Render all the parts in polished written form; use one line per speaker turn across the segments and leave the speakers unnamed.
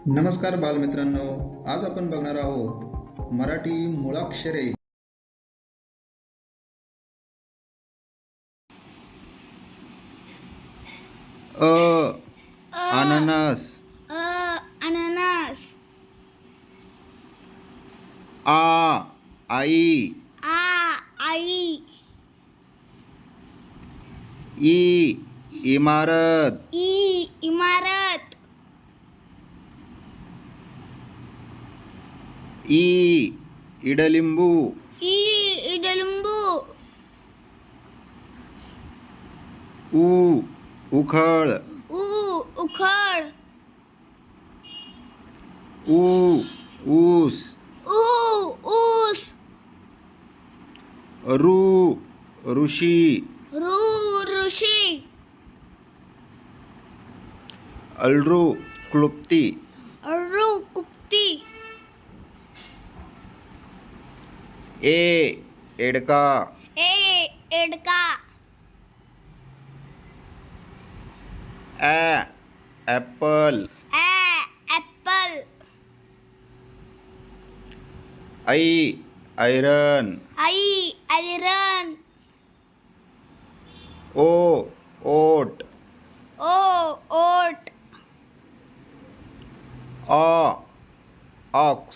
नमस्कार बालमित्रांनो, आज आपण बघणार आहोत मराठी मुळाक्षरे. अ अननस,
अननस.
आई,
आई.
इमारत,
इमारत.
इडलिंबू,
इडलिंबू.
उखळ,
उखळ.
ऊस,
ऊस.
ऋषी,
ऋषी.
क्लुप्ती,
कुप्ती.
एडका,
एडका.
Apple,
apple.
ऐरण,
iron.
Oat,
oat.
Ox,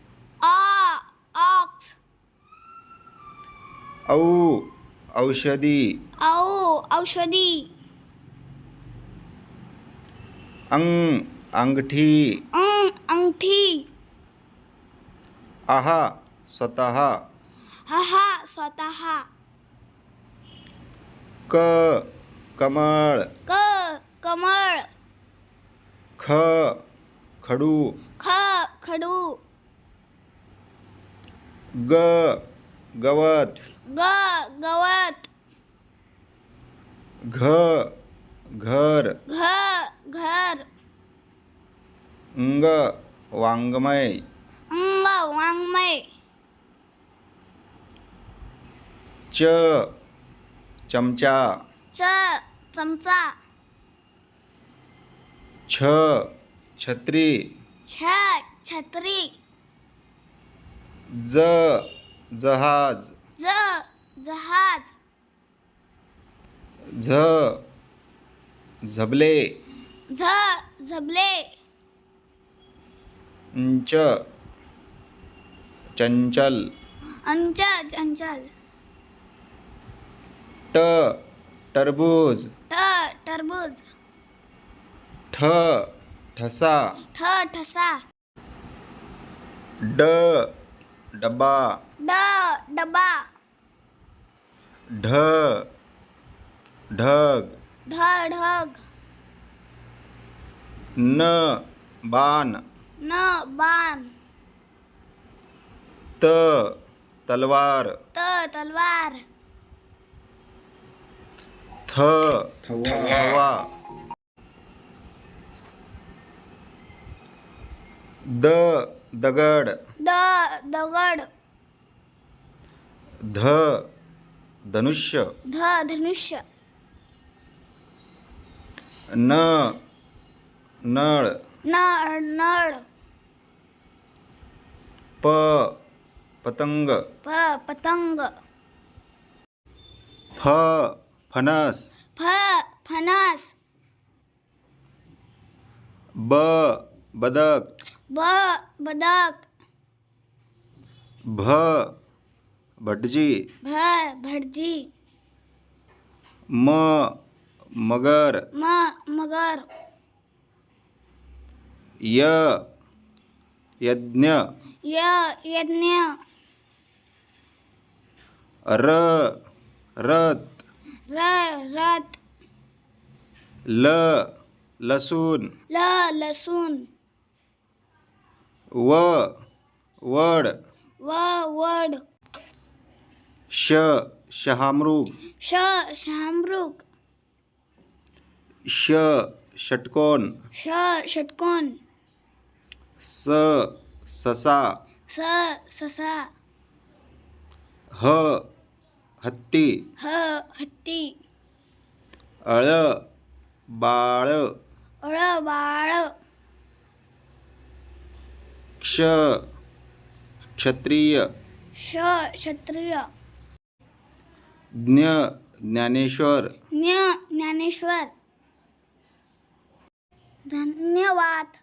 ox.
औषधी,
औषधी.
अंगठी,
अंगठी.
स्वतः,
स्वतः.
कमळ,
कमळ.
खडू,
खडू.
गवत,
गवत.
घर,
घर.
वाङ्मय,
वाङ्मय.
चमचा,
चमचा.
छत्री,
छत्री.
जहाज,
जहाज.
झबले,
झबले.
चंचल,
चंचल.
टरबूज,
टरबूज.
ठसा,
ठसा.
डब्बा,
डबा.
ढग,
ढग.
बाण,
बाण.
तलवार,
तलवार.
थवा, दगड,
दगड.
धनुष्य,
धनुष्य.
नळ,
नळ.
पतंग,
पतंग.
फणस,
फणस.
बदक,
बदक.
भटजी,
भटजी.
मगर,
मगर.
यज्ञ,
यज्ञ.
रथ,
रथ.
लसूण,
लसूण.
वड,
वड.
शहामृग,
शहामृग.
षटकोन,
षटकोन.
ससा,
ससा.
हत्ती,
हत्ती.
बाळ,
बाळ.
क्ष क्षत्रिय,
श क्षत्रिय,
ज्ञ ज्ञानेश्वर,
ज्ञ ज्ञानेश्वर. धन्यवाद.